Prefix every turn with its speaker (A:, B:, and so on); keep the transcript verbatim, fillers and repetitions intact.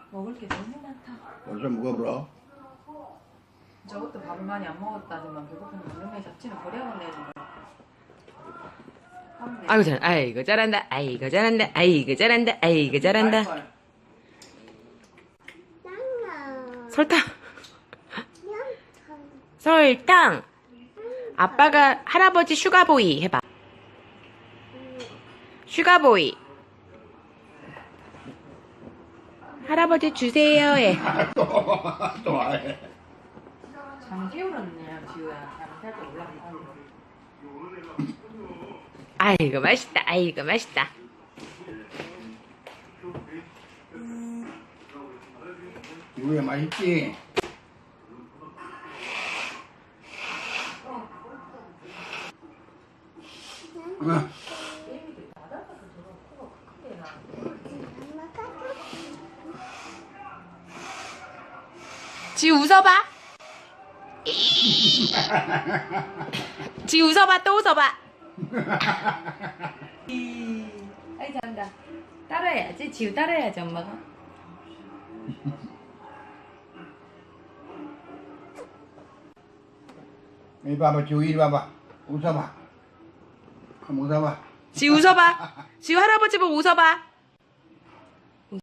A: 먹을 게 너무 많다.
B: 벌써 먹어보라.
A: 저것도 밥을 많이 안 먹었다지만 배고픈 놈의 잡지는 버려야 내는 거야.
C: 아이고 잘, 아이고 잘한다, 아이고 잘한다, 아이고 잘한다, 아이고 잘한다. 설탕. 설탕. 아빠가 할아버지 슈가보이 해봐. 슈가보이. 할아버지 주세요 해.
B: 또 해.
A: 잠 깨울었네 지우야. 잠 살짝 올라간다.
C: 아이고 맛있다, 아이고 맛있다.
B: 이거야 맛있지? 응.
C: 지 웃어봐. 지 웃어봐, 또 웃어봐. 아이 잘한다. 따라해야지. 지우 따라해야지 엄마가.
B: 이리 봐봐, 지우 이리 봐봐. 웃어봐. 한번 웃어봐.
C: 지우 웃어봐. 지우 할아버지 보고 웃어봐.